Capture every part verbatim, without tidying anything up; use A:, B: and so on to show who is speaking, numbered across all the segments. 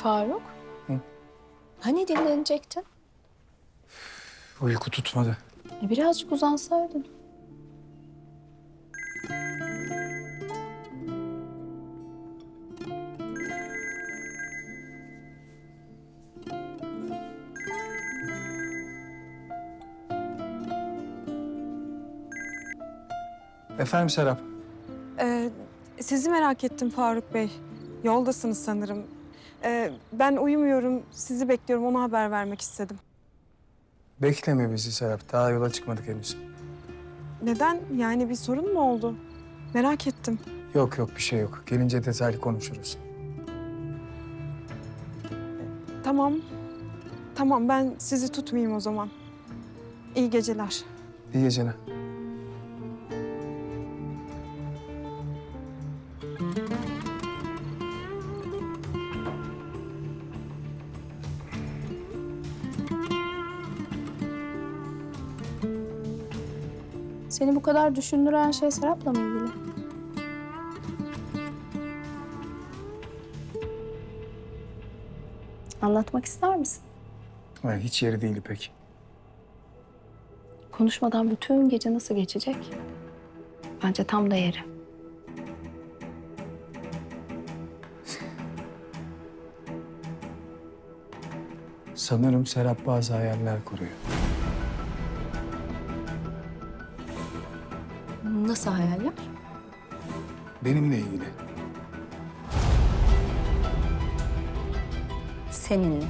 A: Faruk.
B: Hı?
A: Hani dinlenecektin?
B: Uyku tutmadı.
A: E, birazcık uzansaydın.
B: Efendim Serap?
C: Ee, sizi merak ettim Faruk Bey. Yoldasınız sanırım. Ee, ben uyumuyorum, sizi bekliyorum. Ona haber vermek istedim.
B: Bekleme bizi Serap. Daha yola çıkmadık henüz.
C: Neden? Yani bir sorun mu oldu? Merak ettim.
B: Yok yok bir şey yok. Gelince detaylı konuşuruz.
C: Tamam. Tamam, ben sizi tutmayayım o zaman. İyi geceler.
B: İyi geceler.
A: Seni bu kadar düşündüren şey Serap'la mı ilgili? Anlatmak ister misin?
B: Ha, hiç yeri değil pek.
A: Konuşmadan bütün gece nasıl geçecek? Bence tam da yeri.
B: Sanırım Serap bazı hayaller kuruyor.
A: Nasıl hayaller?
B: Benimle ilgili.
A: Seninle.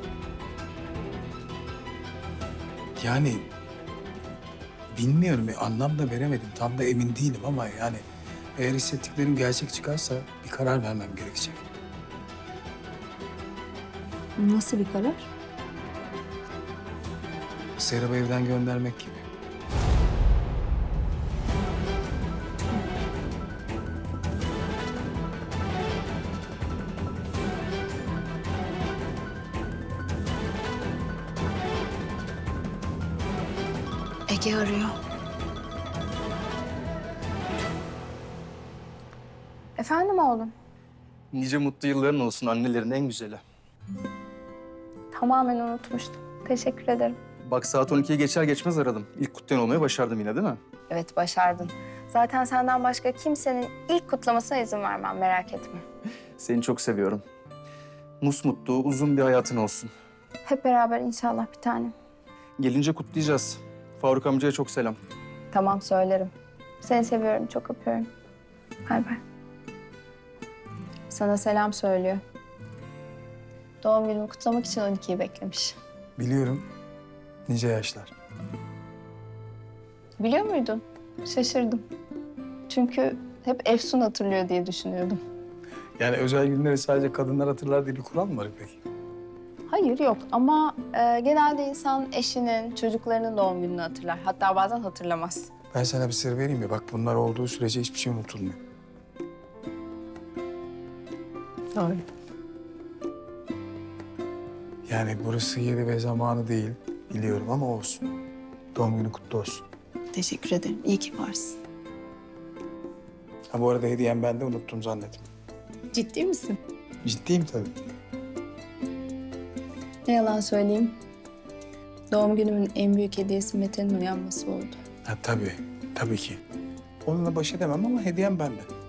B: Yani bilmiyorum, bir anlam da veremedim. Tam da emin değilim ama yani eğer hissettiklerim gerçek çıkarsa bir karar vermem gerekecek.
A: Nasıl bir karar?
B: Serap'ı evden göndermek gibi.
A: Ege arıyor. Efendim oğlum?
D: Nice mutlu yılların olsun, annelerin en güzeli.
A: Tamamen unutmuştum. Teşekkür ederim.
D: Bak saat on ikiyi geçer geçmez aradım. İlk kutlayan olmayı başardım yine değil mi?
A: Evet, başardın. Zaten senden başka kimsenin ilk kutlamasına izin vermem, merak etme.
D: Seni çok seviyorum. Musmutlu, uzun bir hayatın olsun.
A: Hep beraber inşallah bir tanem.
D: Gelince kutlayacağız. Faruk amcaya çok selam.
A: Tamam, söylerim. Seni seviyorum, çok öpüyorum. Bay bay. Sana selam söylüyor. Doğum günümü kutlamak için on ikiyi beklemiş.
B: Biliyorum. Nice yaşlar.
A: Biliyor muydun? Şaşırdım. Çünkü hep Efsun hatırlıyor diye düşünüyordum.
B: Yani özel günleri sadece kadınlar hatırlar diye bir kural mı var peki?
A: Hayır, yok ama e, genelde insan eşinin, çocuklarının doğum gününü hatırlar. Hatta bazen hatırlamaz.
B: Ben sana bir sır vereyim mi? Bak bunlar olduğu sürece hiçbir şey unutulmuyor.
A: Doğru.
B: Yani burası yeri ve zamanı değil biliyorum ama olsun. Doğum günü kutlu olsun.
A: Teşekkür ederim. İyi ki varsın.
B: Ha bu arada hediyem ben de unuttum zannettim.
A: Ciddi misin?
B: Ciddiyim tabii.
A: Ne yalan söyleyeyim. Doğum günümün en büyük hediyesi Mete'nin uyanması oldu.
B: Ha tabii, tabii ki. Onunla baş edemem ama hediyem bende.